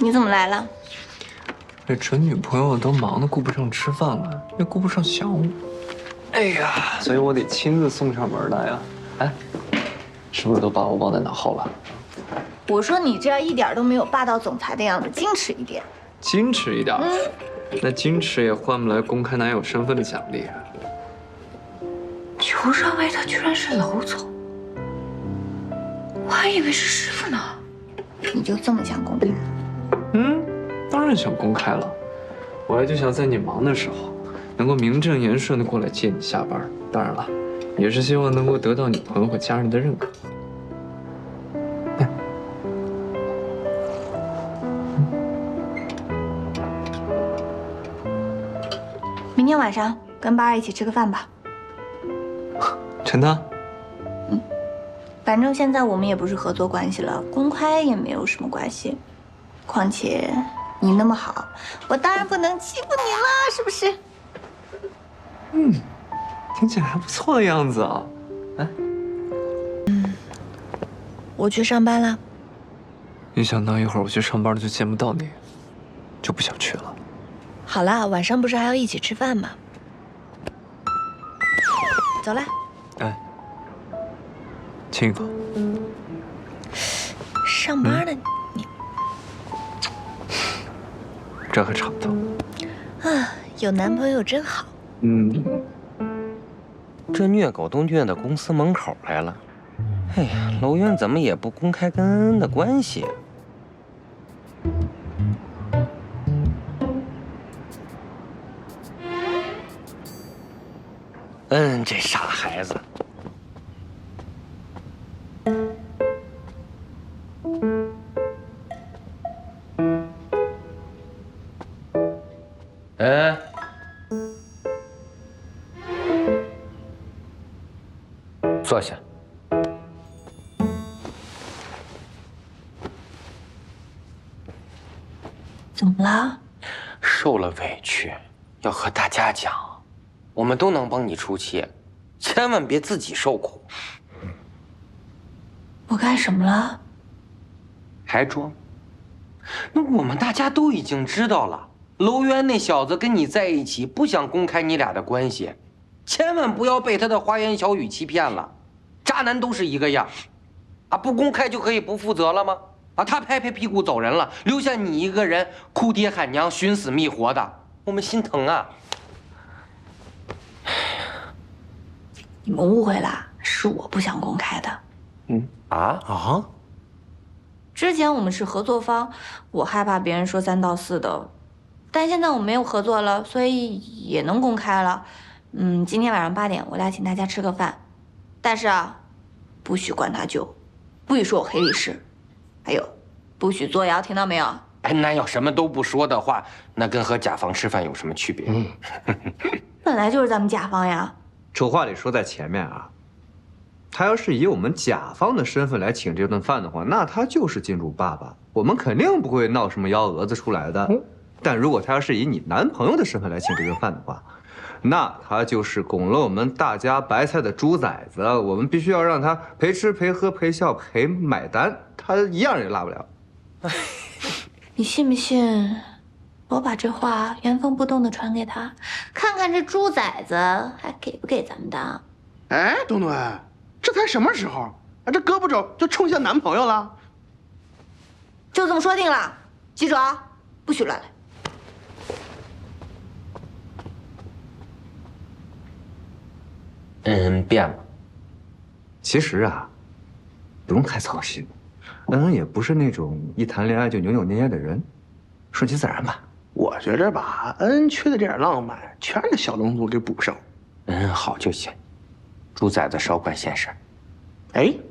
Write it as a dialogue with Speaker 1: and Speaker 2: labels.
Speaker 1: 你怎么来了？
Speaker 2: 这准女朋友都忙得顾不上吃饭了，也顾不上想我。哎呀，所以我得亲自送上门来呀。哎，是不是都把我忘在脑后了？
Speaker 1: 我说你这样一点都没有霸道总裁的样子，矜持一点。
Speaker 2: 矜持一点。那矜持也换不来公开男友身份的奖励啊。
Speaker 3: 裘少伟他居然是娄总，我还以为是师傅呢。
Speaker 1: 你就这么想公开？
Speaker 2: 当然想公开了。我还就想在你忙的时候，能够名正言顺的过来接你下班。当然了，也是希望能够得到你朋友和家人的认可。
Speaker 1: 明天晚上跟巴儿一起吃个饭吧。
Speaker 2: 真的？
Speaker 1: 反正现在我们也不是合作关系了，公开也没有什么关系。况且你那么好，我当然不能欺负你了，是不是？
Speaker 2: 听起来还不错的样子啊。哎，
Speaker 3: 我去上班了。
Speaker 2: 一想到一会儿我去上班了就见不到你，就不想去了。
Speaker 3: 好啦，晚上不是还要一起吃饭吗？走啦。
Speaker 2: 哎，亲一口。
Speaker 3: 上班呢，
Speaker 2: 这可差不多。
Speaker 3: 啊，有男朋友真好。
Speaker 4: 这虐狗都虐到公司门口来了。哎呀，娄渊怎么也不公开跟恩恩的关系？这傻孩子。坐下。
Speaker 1: 怎么了？
Speaker 4: 受了委屈，要和大家讲，我们都能帮你出气，千万别自己受苦。
Speaker 1: 我干什么了？
Speaker 4: 还装？那我们大家都已经知道了，娄渊那小子跟你在一起，不想公开你俩的关系，千万不要被他的花言巧语欺骗了。渣男都是一个样，啊，不公开就可以不负责了吗？啊，他拍拍屁股走人了，留下你一个人哭爹喊娘、寻死觅活的，我们心疼啊！
Speaker 1: 你们误会了，是我不想公开的。之前我们是合作方，我害怕别人说三道四的，但现在我们没有合作了，所以也能公开了。今天晚上8点，我俩请大家吃个饭，但是啊，不许灌他酒，不许说我黑历史，还有，不许作谣，听到没有？
Speaker 4: 哎，那要什么都不说的话，那跟和甲方吃饭有什么区别？
Speaker 1: 本来就是咱们甲方呀。
Speaker 5: 丑话得说在前面啊。他要是以我们甲方的身份来请这顿饭的话，那他就是金主爸爸，我们肯定不会闹什么幺蛾子出来的。但如果他要是以你男朋友的身份来请这顿饭的话，那他就是拱了我们大家白菜的猪崽子，我们必须要让他陪吃陪喝陪笑陪买单，他一样也落不了。
Speaker 1: 你信不信？我把这话原封不动的传给他，看看这猪崽子还给不给咱们当。
Speaker 6: 哎，东东，这才什么时候啊？这胳膊肘就冲向男朋友了？
Speaker 1: 就这么说定了，记住啊，不许乱来。
Speaker 4: 变了。
Speaker 5: 其实啊，不用太操心，恩恩也不是那种一谈恋爱就扭扭捏捏的人，顺其自然吧。
Speaker 6: 我觉着吧，恩缺的这点浪漫，全让小龙族给补上。
Speaker 4: 好就行，猪崽子少管闲事。
Speaker 6: 哎，